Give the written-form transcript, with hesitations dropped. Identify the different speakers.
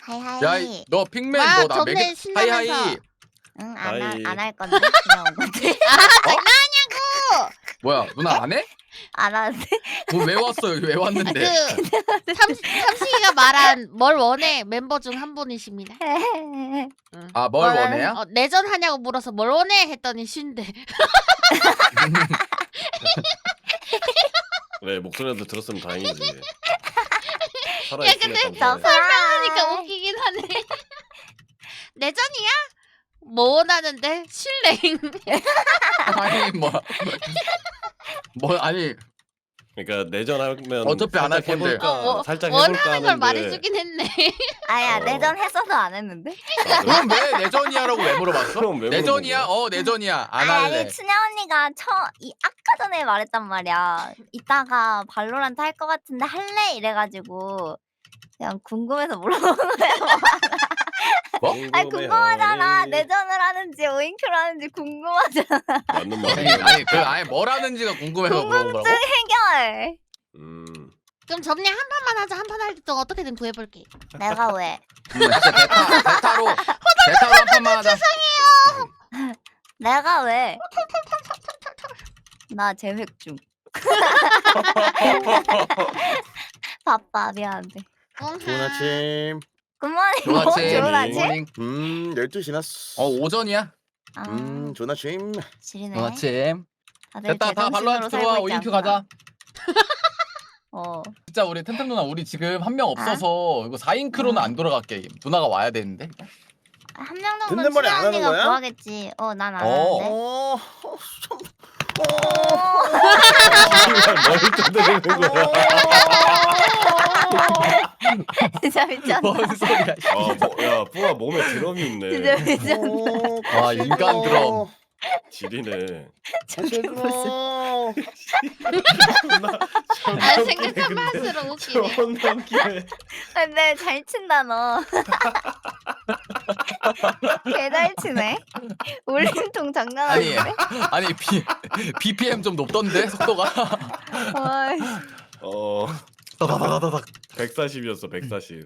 Speaker 1: 하이하이.
Speaker 2: 야, 너 핑맨
Speaker 3: 와,
Speaker 2: 너 나
Speaker 3: 점내
Speaker 2: 매겨.
Speaker 3: 신나면서.
Speaker 2: 하이하이.
Speaker 1: 응,
Speaker 4: 하이.
Speaker 1: 안 할 건데. 그냥 온 건데.
Speaker 2: 뭐야, 누나 안 해?
Speaker 1: 안 하는데.
Speaker 2: 뭐 왜 왔어? 여기 왜 왔는데?
Speaker 3: 삼식이가 말한 뭘 원해 멤버 중 한 분이십니다.
Speaker 2: 아, 뭘
Speaker 1: 뭐라는-
Speaker 2: 원해요?
Speaker 3: 내전 하냐고 물어서 뭘 원해 했더니 쉰대.
Speaker 4: 왜 목소리라도 들었으면 다행이지.
Speaker 3: 야,
Speaker 4: 살아있으면
Speaker 3: 근데
Speaker 4: 감사해.
Speaker 3: 설명하니까 웃기긴 하네. 내전이야? 뭐 원하는데? 실랭.
Speaker 2: 아니 뭐 아니
Speaker 4: 그러니까 내전하면
Speaker 2: 어차피 안할
Speaker 4: 살짝
Speaker 2: 건데.
Speaker 4: 해볼까, 살짝 해볼까
Speaker 3: 원하는 걸
Speaker 4: 하는데
Speaker 3: 말해주긴 했네.
Speaker 1: 아야
Speaker 4: 어.
Speaker 1: 내전 했어도 안 했는데.
Speaker 2: 그럼 왜 내전이야라고 왜 물어봤어?
Speaker 4: 그럼 왜
Speaker 2: 내전이야?
Speaker 4: 물어본
Speaker 2: 내전이야. 안
Speaker 1: 아니
Speaker 2: 할래.
Speaker 1: 춘향 언니가 아까 전에 말했단 말이야. 이따가 발로란트 할 것 같은데 할래? 이래가지고 그냥 궁금해서 물어본 거야.
Speaker 2: 뭐?
Speaker 1: 아니 궁금하잖아.
Speaker 4: 내
Speaker 1: 내전을 하는지 오인큐를 하는지 궁금하잖아.
Speaker 4: 맞는
Speaker 2: 아니,
Speaker 4: 말이야.
Speaker 2: 아니 뭘 하는지가 궁금해서 물어본 거라고.
Speaker 1: 해결.
Speaker 3: 그럼 점례 한 판만 하자. 한 판 할 때 동안 어떻게든 구해볼게.
Speaker 1: 내가 왜?
Speaker 2: 진짜 베타로 한 판만 하자.
Speaker 1: 내가 왜? 나 재획 중. 바빠 미안한데.
Speaker 5: 좋은 아침.
Speaker 1: 굿모닝.
Speaker 2: 좋은 아침.
Speaker 1: 좋은 아침.
Speaker 2: 모닝.
Speaker 5: 12시 지났어.
Speaker 2: 오전이야.
Speaker 1: 아,
Speaker 5: 좋은 아침.
Speaker 1: 지리네.
Speaker 2: 좋은 아침.
Speaker 1: 다들
Speaker 2: 됐다. 다
Speaker 1: 제정신으로
Speaker 2: 발로한테
Speaker 1: 살고
Speaker 2: 들어와.
Speaker 1: 있지
Speaker 2: 오인큐
Speaker 1: 않구나.
Speaker 2: 가자.
Speaker 1: 어.
Speaker 2: 진짜 우리 템템 누나 우리 지금 한 명 없어서 이거 4인크로는 안 돌아가 게임. 누나가 와야 되는데.
Speaker 1: 한 명 정도
Speaker 5: 듣는 말이 안 하는
Speaker 1: 춘향 언니가
Speaker 5: 거야?
Speaker 1: 구하겠지. 난 안
Speaker 2: 어.
Speaker 1: 하는데.
Speaker 5: 좀.
Speaker 4: 뭘 떠드는 거야?
Speaker 1: 진짜 미쳤다.
Speaker 2: 뭔 소리야.
Speaker 4: 야, 뿌아 몸에 드럼이 있네.
Speaker 1: 진짜 미쳤다.
Speaker 2: 와, 인간 드럼.
Speaker 4: 지리네.
Speaker 1: 저게 무슨.
Speaker 3: 아, 생각하면 할수록 웃기네.
Speaker 4: 존나 웃기네.
Speaker 1: 근데 잘 친다 너. 개 잘 치네. 울림통 장난
Speaker 2: 아니
Speaker 1: 아닌데?
Speaker 2: 아니 BPM 좀 높던데 속도가.
Speaker 1: 어이.
Speaker 4: 어.
Speaker 2: 다다다다닥.
Speaker 4: 140이었어, 140.